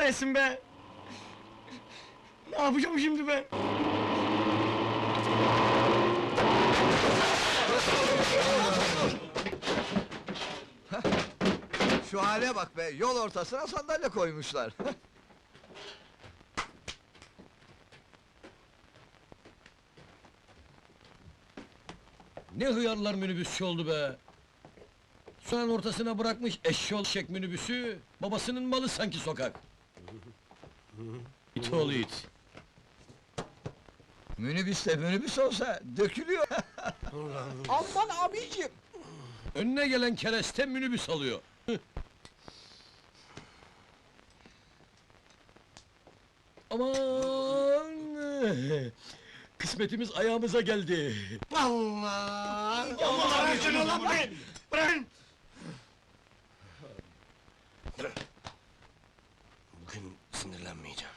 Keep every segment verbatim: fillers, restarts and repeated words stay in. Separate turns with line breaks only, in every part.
kahretsin be! Ne yapacağım şimdi ben?
Şu hale bak be, yol ortasına sandalye koymuşlar.
Ne hıyarlar minibüsçü oldu be! Sokağın ortasına bırakmış eşşoğlu şek minibüsü, babasının malı sanki sokak! İt oğlu it!
Minibüs de minibüs olsa dökülüyor.
Aman abiciğim!
Önüne gelen kereste minibüs alıyor! Aman! Kısmetimiz ayağımıza geldi!
Allah! Allah aşkına lan bırakın! Bırakın!
Bugün sinirlenmeyeceğim.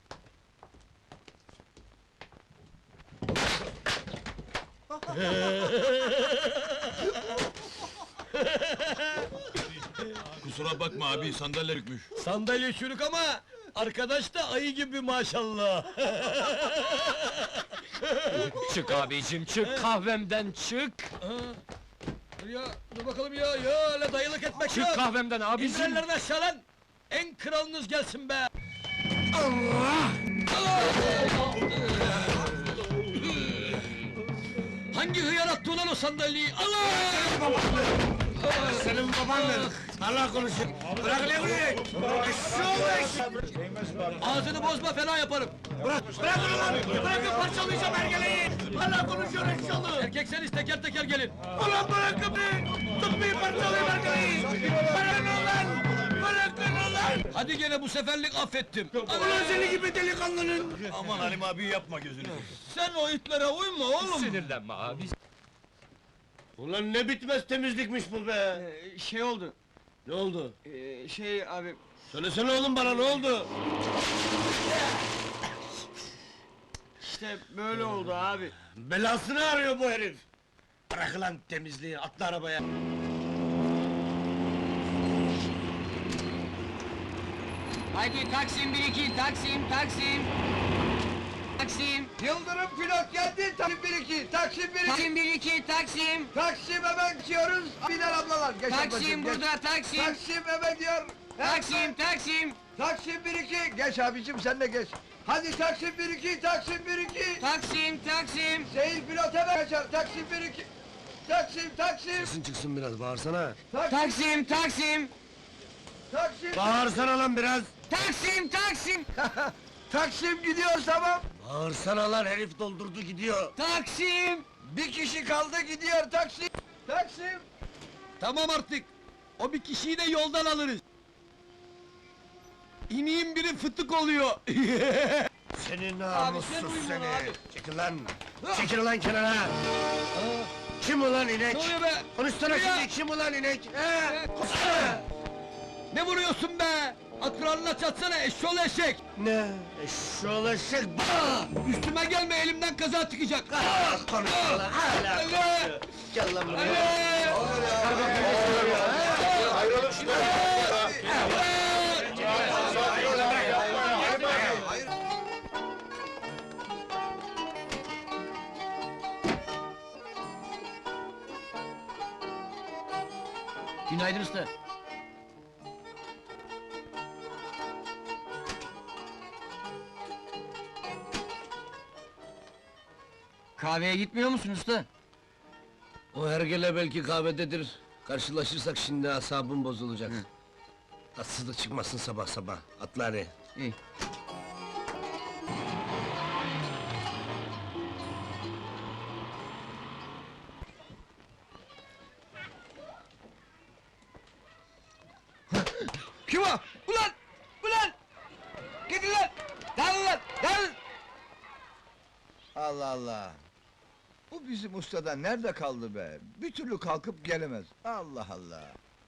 Kusura bakma abi, sandalye rükmüş.
Sandalye çürük ama, arkadaş da ayı gibi maşallah!
Çık abicim, çık kahvemden çık!
Dur ya, dur bakalım ya, ya öyle dayılık etmek
Çık
yok!
kahvemden abicim!
İndirenlerini aşağı lan! En kralınız gelsin be! Hangi hıyar attı ulan o sandalyeyi? Allah!
Senin babandır! Allah konuşun! Bırak ne vuruyor?
Ağzını bozma, fena yaparım!
Bırak! Bırak onu lan! Bırakın parçalayacağım hergeleyi! Allah konuşuyor eşyalı!
Erkekseniz teker teker gelin!
Ulan bırakın beni! Tutmayın parçalayayım hergeleyi! Bırakın ulan! Bırakın ulan!
Hadi gene bu seferlik affettim!
Ulan seni gibi delikanlının!
Aman Halim abi yapma gözünü.
Sen o itlere uyma oğlum!
Sinirlenme abi!
Ulan ne bitmez temizlikmiş bu be!
Ee, şey oldu,
Ne oldu?
ee, şey abi...
Söylesene oğlum bana ne oldu?
İşte böyle oldu abi.
Belasını arıyor bu herif! Bırak lan temizliği, atla arabaya!
Haydi Taksim bir iki, Taksim, Taksim! Taksim!
Yıldırım pilot geldi, Taksim bir iki, Taksim bir iki!
Taksim bir iki, Taksim!
Taksim hemen gidiyoruz, biner ablalar, geç ablacığım,
Taksim
geç.
burada, Taksim!
Taksim hemen diyor!
Taksim, Taksim!
Taksim bir iki, geç abicim sen de geç! Hadi Taksim bir iki, Taksim bir iki!
Taksim, Taksim!
Seyir pilot hemen kaçar, Taksim bir iki! Taksim, Taksim!
Sesin çıksın biraz, bağırsana!
Taksim, Taksim!
Taksim!
Bağırsana lan biraz!
Taksim, Taksim!
Taksim gidiyor tamam!
Bağırsana lan, herif doldurdu gidiyor!
Taksim!
Bir kişi kaldı gidiyor Taksim! Taksim!
Tamam artık! O bir kişiyi de yoldan alırız! İniğin biri fıtık oluyor!
Seni
sen
namussuz
uyuma
seni!
abi.
Çekil lan! Çekil lan kenara! Kim ulan inek?
Ne oluyor be?
Konuşsana
Ya!
şimdi, kim ulan inek? He?
Ne vuruyorsun be? Akranına çatsana eşşoğlu eşek!
Ne? Eşşoğlu eşek! Bah!
Üstüme gelme, elimden kaza çıkacak!
Ah, konuşma lan, hala
Allah!
konuşuyor! Gel lan buraya!
Günaydın usta! Kahveye gitmiyor musun usta?
O hergele belki kahvededir. Karşılaşırsak şimdi asabım bozulacak. Tatsızlık çıkmasın sabah sabah. Atla hadi.
İyi.
Kim o? Ulan! Ulan! Gidin lan! Dağılın lan! Dağılın! Allah Allah! Bu bizim ustada nerede kaldı be? Bir türlü kalkıp gelemez. Allah Allah!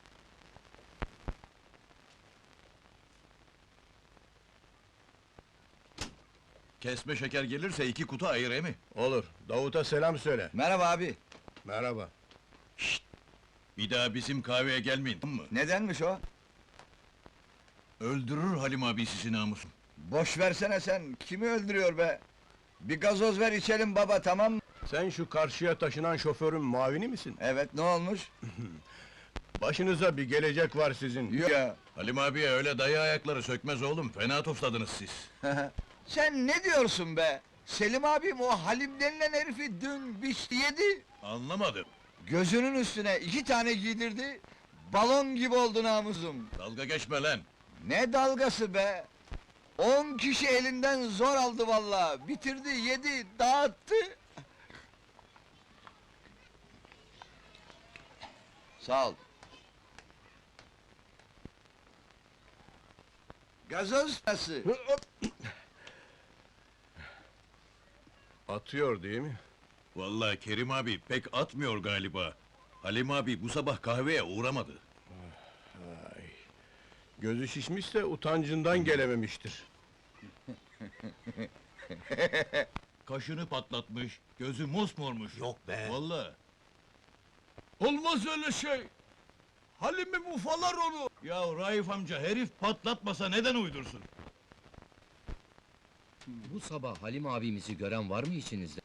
Kesme şeker gelirse iki kutu ayır emi.
Olur. Davut'a selam söyle.
Merhaba abi!
Merhaba.
Bir daha bizim kahveye gelmeyin, tamam mı?
Nedenmiş o?
Öldürür Halim abi sizi namusun.
Boş versene sen, kimi öldürüyor be? Bir gazoz ver içelim baba, tamam mı?
Sen şu karşıya taşınan şoförün muavini misin?
Evet, ne olmuş?
Başınıza bir gelecek var sizin.
Yok ya!
Halim abiye öyle dayı ayakları sökmez oğlum, fena tofladınız siz.
Sen ne diyorsun be? Selim abim o Halim denilen herifi dün biçti yedi.
Anlamadım.
Gözünün üstüne iki tane giydirdi, balon gibi oldu namusum.
Dalga geçme lan.
Ne dalgası be? On kişi elinden zor aldı vallahi, bitirdi, yedi, dağıttı. Sağ ol. Gazoz nasıl?
Atıyor değil mi?
Vallahi Kerim abi pek atmıyor galiba. Halim abi bu sabah kahveye uğramadı.
Gözü şişmişse utancından gelememiştir.
Kaşını patlatmış, gözü mosmormuş. Yok be. Vallahi.
Olmaz öyle şey! Halim'im ufalar onu!
Ya Raif amca herif patlatmasa neden uydursun?
Bu sabah Halim abimizi gören var mı içinizde?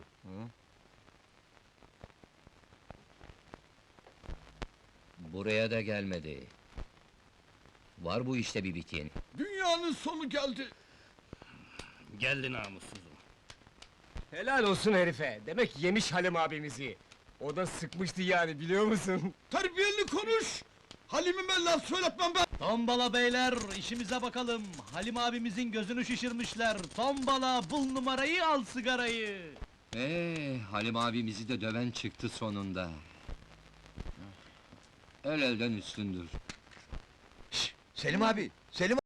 Buraya da gelmedi. Var bu işte bir biteni.
Dünyanın sonu geldi!
Geldi namussuzum.
Helal olsun herife. Demek yemiş Halim abimizi. O da sıkmıştı yani, biliyor musun?
Terbiyeli konuş! Halim'ime laf söyletmem ben!
Tombala beyler, işimize bakalım. Halim abimizin gözünü şişirmişler. Tombala, bul numarayı, al sigarayı.
Ee, Halim abimizi de döven çıktı sonunda. El elden üstündür.
Selim abi, Selim